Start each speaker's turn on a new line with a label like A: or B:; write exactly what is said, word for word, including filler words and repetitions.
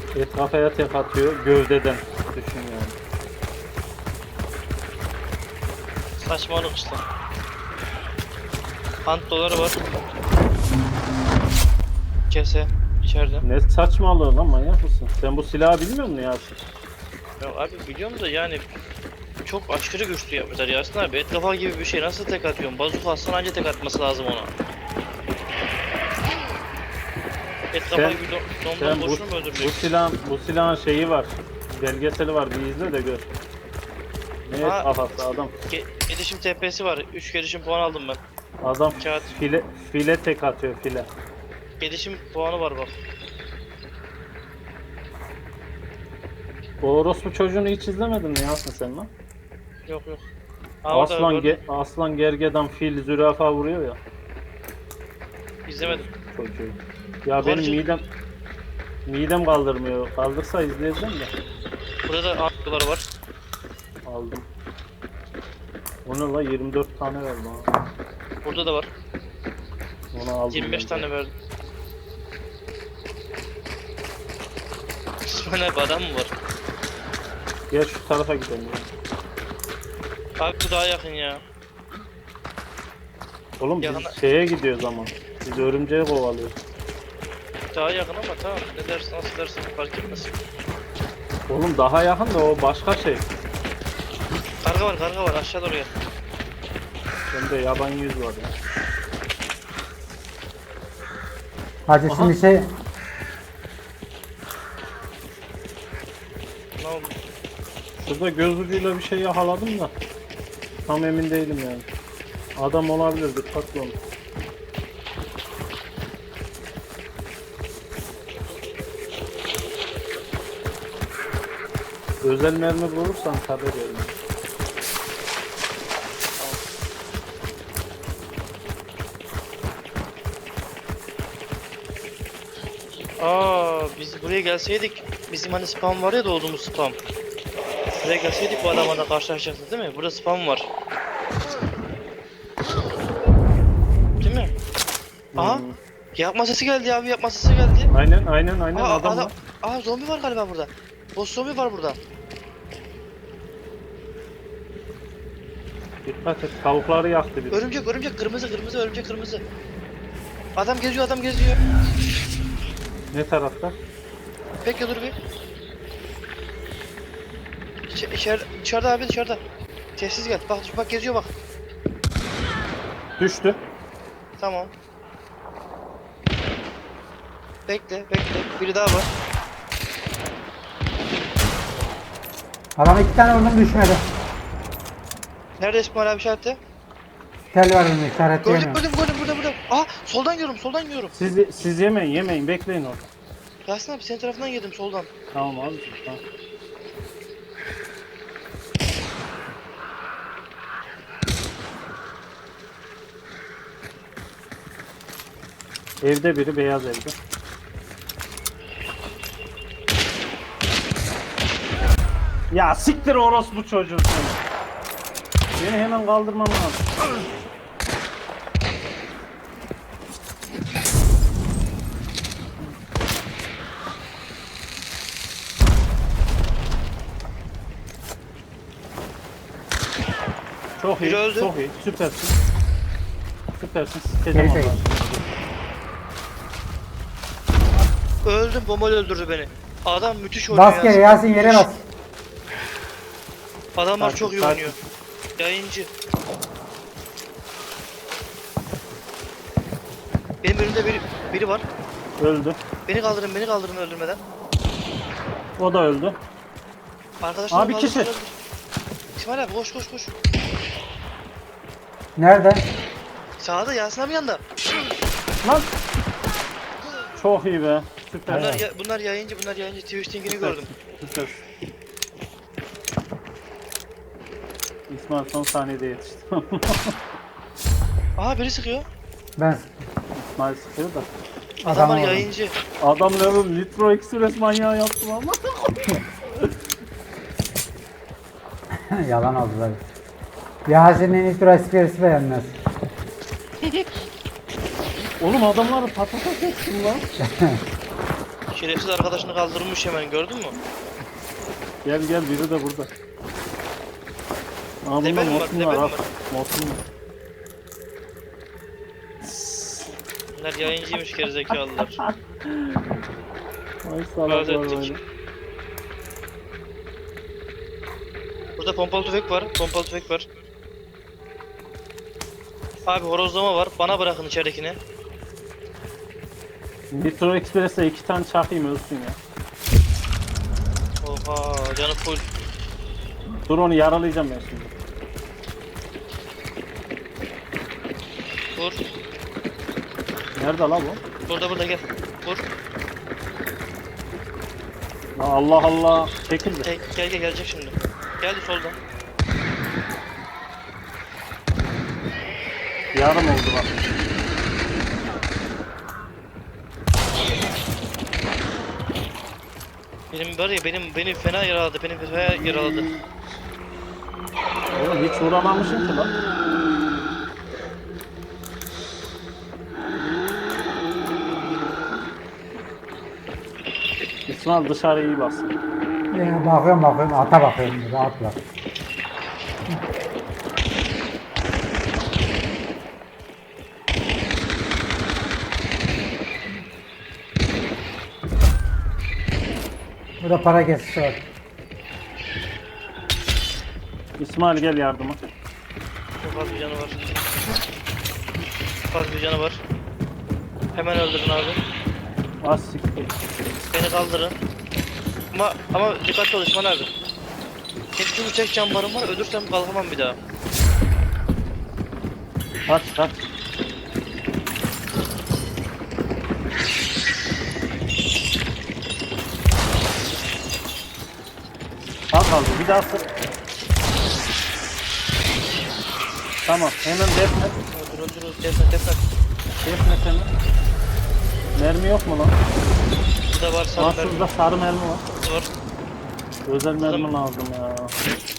A: Et kafaya tek atıyor gövdeden. Düşün yani.
B: Saçmalık işte. Ant doları var. Kese içeride.
A: Ne saçmalığı lan, manyak mısın? Sen bu silahı bilmiyor musun Yasin?
B: Ya abi biliyorum da yani çok aşırı güçlü yapmışlar Yasin abi. Et kafa gibi bir şey nasıl tek atıyorsun? Bazuka atsan anca tek atması lazım ona. Et kafa
A: Sen-
B: gibi do
A: Sen
B: domdan
A: bu,
B: boşuna mı
A: bu
B: öldürecek?
A: silahın bu silahın şeyi var. Belgeseli var, bir izle de gör. Ne et
B: Ha.
A: kafası adam.
B: Ge gelişim T P'si var. üç gelişim puan aldım ben.
A: Adam
B: Kağıt.
A: file file tek atıyor file.
B: Gelişim puanı var bak.
A: O orospu çocuğunu hiç izlemedin mi Yasin sen lan?
B: Yok yok. Aa, orada
A: Aslan
B: gördüm.
A: ge aslan gergedan fil zürafa vuruyor ya.
B: İzlemedim.
A: Çocuğu. Ya benim
B: Harcı-
A: midem midem kaldırmıyor. Kaldırsa izleyeceğim de.
B: Burada da ant doları var.
A: Aldım. Onu la yirmi dört tane verdi bana.
B: Burada da var.
A: Onu aldım.
B: yirmi beş
A: ben.
B: tane verdim. İsmail abi adam mı var?
A: Gel şu tarafa gidelim ya.
B: Abi bu daha yakın ya.
A: Oğlum
B: Yakına-
A: biz şeye gidiyoruz ama. Biz örümceği kovalıyoruz.
B: Daha yakın ama tamam. Ne dersin nasıl dersin fark etmez.
A: Oğlum daha yakın da o başka şey.
B: Karga var karga var aşağı doğru gel.
A: Bende yaban yüz var ya.
C: Hacı
A: Aha.
C: şimdi şey
B: Ne oldu?
A: Şurada göz ucuyla bir şey yakaladım da. Tam emin değilim yani. Adam olabilir, dikkatli olun. Özel mermi bulursan haber verin.
B: Aa biz buraya gelseydik bizim hani spam var ya doğduğumuz spam. Buraya gelseydik bu adamlarla karşılaşacaktık değil mi? Burada spam var. Değil mi? Aha.
A: Hmm.
B: Yapma sesi geldi abi yapma sesi geldi.
A: Aynen aynen aynen
B: Aa,
A: adam
B: adam,
A: var.
B: aa zombi var galiba burada. Boss zombi var burada.
A: Dikkat et, tavukları yaktı bir.
B: Örümcek örümcek kırmızı kırmızı örümcek kırmızı. Adam geziyor adam geziyor.
A: Ne tarafta?
B: Bekle dur bir. İçe, içer, içeride abi dışarıda. Sessiz gel. Bak bak geziyor bak.
A: Düştü.
B: Tamam. Bekle bekle. Biri daha var.
C: adam iki tane vurdum düşmedi.
B: Nerede İsmail abi işareti?
C: Tel var önümde
B: Gördüm
C: işaretleyemiyorum.
B: gördüm gördüm burada burada. Aa soldan görüyorum soldan görüyorum.
A: Siz siz yemeyin yemeyin, bekleyin orada.
B: Yasin abi senin tarafından yedim soldan.
A: Tamam abi. Tamam. Evde biri, beyaz evde. Ya siktir orospu çocuğu seni. Beni hemen kaldırmam lazım. Çok iyi,
B: Biri öldü.
A: çok iyi. Süpersin. Süpersin.
C: Geri
A: Sikeceğim
C: çekil.
A: onları.
B: Öldüm bombayla öldürdü beni. Adam müthiş oynuyor
C: Bas geri Yasin yere bas.
B: Adamlar
A: Sakin,
B: çok iyi
A: sakin.
B: oynuyor. Yayıncı. Benim önümde biri, biri var.
A: Öldü.
B: Beni kaldırın beni kaldırın öldürmeden.
A: O da öldü.
B: Arkadaşlar
A: Abi, kişi.
B: İsmail abi koş koş koş.
C: Nerede?
B: Sağda Yasin abi yanında.
A: Lan. Çok iyi be. Süper.
B: Bunlar, ya, bunlar yayıncı bunlar yayıncı. Twitch linkini gördüm.
A: Süper. İsmail son saniyede yetişti.
B: Aha biri sıkıyor.
C: Ben
A: İsmail sıkıyor da.
B: Adamlar
C: Adam
B: yayıncı.
A: Adam level Nitro Express manyağı yaptım ama.
C: yalan oldular. Yasin'in nitro esprisi beğenmez.
A: Oğlum adamları patates ettim lan.
B: Şerefsiz arkadaşını kaldırmış hemen, gördün mü?
A: Gel gel, biri de burada. Aa, bunda
B: Level mi var,
A: mosun
B: level
A: var
B: mi
A: abi.
B: var?
A: Mosun var.
B: Bunlar yayıncıymış gerizekalılar.
A: Ay salaklar
B: ettik.
A: böyle.
B: Burada pompalı tüfek var, pompalı tüfek var. Abi horozlama var, bana bırakın içeridekini.
A: Nitro Express'e iki tane çakayım ölsün ya.
B: Oha, canı full.
A: Dur, onu yaralayacağım ben şimdi.
B: Vur.
A: Nerede la bu?
B: Burada burada gel. Vur.
A: La Allah Allah. Çekildi.
B: Gel gel, gel gelecek şimdi. Geldi soldan.
A: Yarım oldu bak.
B: Benim var ya, benim beni fena yaraladı, beni fena yaraladı.
A: Oğlum hiç vuramamışım ki lan. İsmail dışarı iyi baksın.
C: Ya bakıyorum bakıyorum ata bakıyorum rahat bırak. Burada para kesisi var.
A: İsmail gel yardıma.
B: Çok az bir canı var. Çok az bir canı var. Hemen öldürün abi.
A: Az siktir.
B: Beni kaldırın. Ama ama dikkatli ol İsmail abi. Hepsi bu tek cambarım var, ölürsem kalkamam bir daha.
A: Kaç kaç. Az kaldı, bir daha sık. Tamam, hemen defne.
B: Öldür öldür öldür, defne defne.
A: Defne seni. Mermi yok mu lan?
B: Burada var,
A: Aa,
B: sarı mermi
A: şurada sarı mermi var.
B: var.
A: Özel mermi lazım ya.